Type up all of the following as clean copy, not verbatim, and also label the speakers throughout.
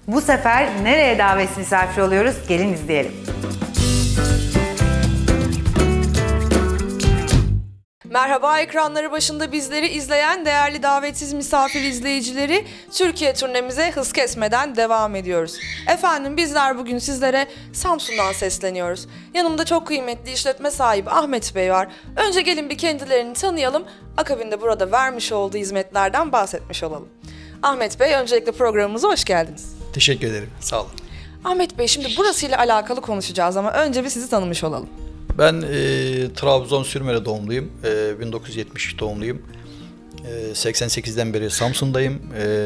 Speaker 1: Bu sefer nereye davet misafir oluyoruz? Gelin izleyelim.
Speaker 2: Merhaba, ekranları başında bizleri izleyen değerli davetsiz misafir izleyicileri, Türkiye turnemize hız kesmeden devam ediyoruz. Efendim bizler bugün sizlere Samsun'dan sesleniyoruz. Yanımda çok kıymetli işletme sahibi Ahmet Bey var. Önce gelin bir kendilerini tanıyalım, akabinde burada vermiş olduğu hizmetlerden bahsetmiş olalım. Ahmet Bey, öncelikle programımıza hoş geldiniz.
Speaker 3: Teşekkür ederim, sağ olun.
Speaker 2: Ahmet Bey, şimdi burasıyla alakalı konuşacağız ama önce bir sizi tanımış olalım.
Speaker 3: Ben Trabzon Sürmene doğumluyum, 1970 doğumluyum. 88'den beri Samsun'dayım.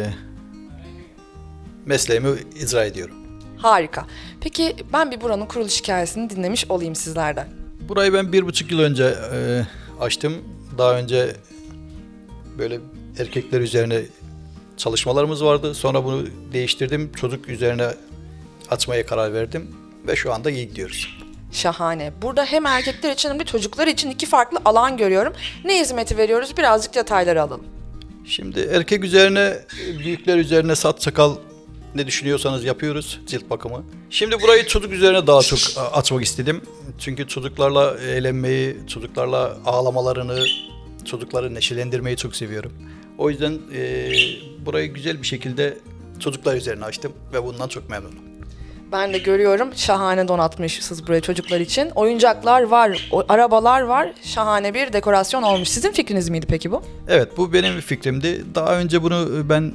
Speaker 3: Mesleğimi icra ediyorum.
Speaker 2: Harika. Peki ben bir buranın kuruluş hikayesini dinlemiş olayım sizlerden.
Speaker 3: Burayı ben 1,5 yıl önce açtım. Daha önce böyle erkekler üzerine çalışmalarımız vardı. Sonra bunu değiştirdim. Çocuk üzerine açmaya karar verdim. Ve şu anda iyi gidiyoruz.
Speaker 2: Şahane. Burada hem erkekler için hem de çocuklar için iki farklı alan görüyorum. Ne hizmeti veriyoruz? Birazcık detayları alalım.
Speaker 3: Şimdi erkek üzerine, büyükler üzerine saç sakal ne düşünüyorsanız yapıyoruz, cilt bakımı. Şimdi burayı çocuk üzerine daha çok açmak istedim. Çünkü çocuklarla eğlenmeyi, çocuklarla ağlamalarını, çocukları neşelendirmeyi çok seviyorum. O yüzden burayı güzel bir şekilde çocuklar üzerine açtım ve bundan çok memnunum.
Speaker 2: Ben de görüyorum. Şahane donatmışsınız buraya çocuklar için. Oyuncaklar var, arabalar var. Şahane bir dekorasyon olmuş. Sizin fikriniz miydi peki bu?
Speaker 3: Evet, bu benim fikrimdi. Daha önce bunu ben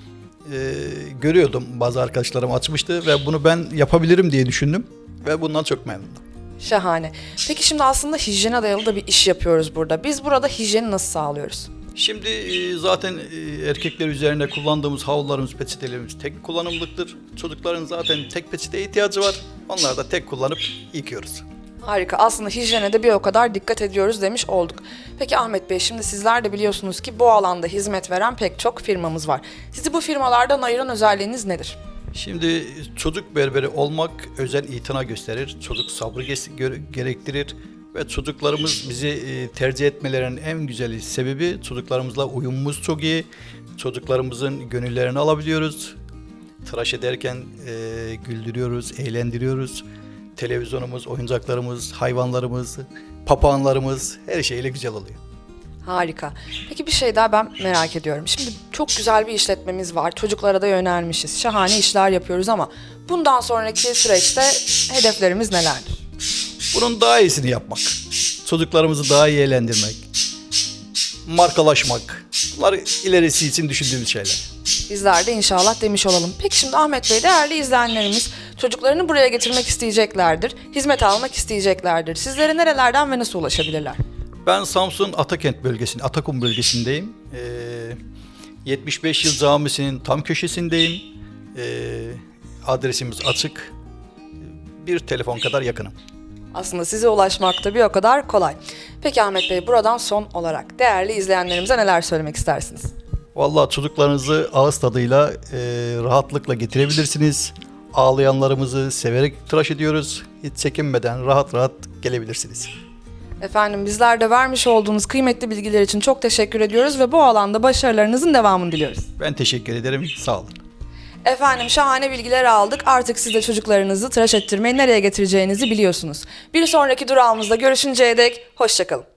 Speaker 3: görüyordum. Bazı arkadaşlarım açmıştı ve bunu ben yapabilirim diye düşündüm ve bundan çok memnunum.
Speaker 2: Şahane. Peki şimdi aslında hijyene dayalı da bir iş yapıyoruz burada. Biz burada hijyeni nasıl sağlıyoruz?
Speaker 3: Şimdi zaten erkekler üzerine kullandığımız havlularımız, peçetelerimiz tek kullanımlıktır. Çocukların zaten tek peçeteye ihtiyacı var. Onları da tek kullanıp yıkıyoruz.
Speaker 2: Harika. Aslında hijyene de bir o kadar dikkat ediyoruz demiş olduk. Peki Ahmet Bey, şimdi sizler de biliyorsunuz ki bu alanda hizmet veren pek çok firmamız var. Sizi bu firmalardan ayıran özelliğiniz nedir?
Speaker 3: Şimdi çocuk berberi olmak özel itina gösterir. Çocuk sabrı gerektirir. Ve çocuklarımız bizi tercih etmelerinin en güzel sebebi çocuklarımızla uyumumuz çok iyi. Çocuklarımızın gönüllerini alabiliyoruz. Tıraş ederken güldürüyoruz, eğlendiriyoruz. Televizyonumuz, oyuncaklarımız, hayvanlarımız, papağanlarımız her şeyle güzel oluyor.
Speaker 2: Harika. Peki bir şey daha ben merak ediyorum. Şimdi çok güzel bir işletmemiz var. Çocuklara da yönelmişiz. Şahane işler yapıyoruz ama bundan sonraki süreçte hedeflerimiz nelerdir?
Speaker 3: Bunun daha iyisini yapmak. Çocuklarımızı daha iyi eğlendirmek. Markalaşmak. Bunlar ilerisi için düşündüğümüz şeyler.
Speaker 2: Bizler de inşallah demiş olalım. Peki şimdi Ahmet Bey, değerli izleyenlerimiz çocuklarını buraya getirmek isteyeceklerdir. Hizmet almak isteyeceklerdir. Sizlere nerelerden ve nasıl ulaşabilirler?
Speaker 3: Ben Samsun Atakent bölgesinde, Atakum bölgesindeyim. 75 Yıl Camisi'nin tam köşesindeyim. Adresimiz açık. Bir telefon kadar yakınım.
Speaker 2: Aslında size ulaşmak da bir o kadar kolay. Peki Ahmet Bey, buradan son olarak değerli izleyenlerimize neler söylemek istersiniz?
Speaker 3: Vallahi çocuklarınızı ağız tadıyla rahatlıkla getirebilirsiniz. Ağlayanlarımızı severek tıraş ediyoruz. Hiç çekinmeden rahat rahat gelebilirsiniz.
Speaker 2: Efendim, bizler de vermiş olduğunuz kıymetli bilgiler için çok teşekkür ediyoruz ve bu alanda başarılarınızın devamını diliyoruz.
Speaker 3: Ben teşekkür ederim. Sağ olun.
Speaker 2: Efendim, şahane bilgiler aldık. Artık siz de çocuklarınızı tıraş ettirmeyi nereye getireceğinizi biliyorsunuz. Bir sonraki durağımızda görüşünceye dek hoşça kalın.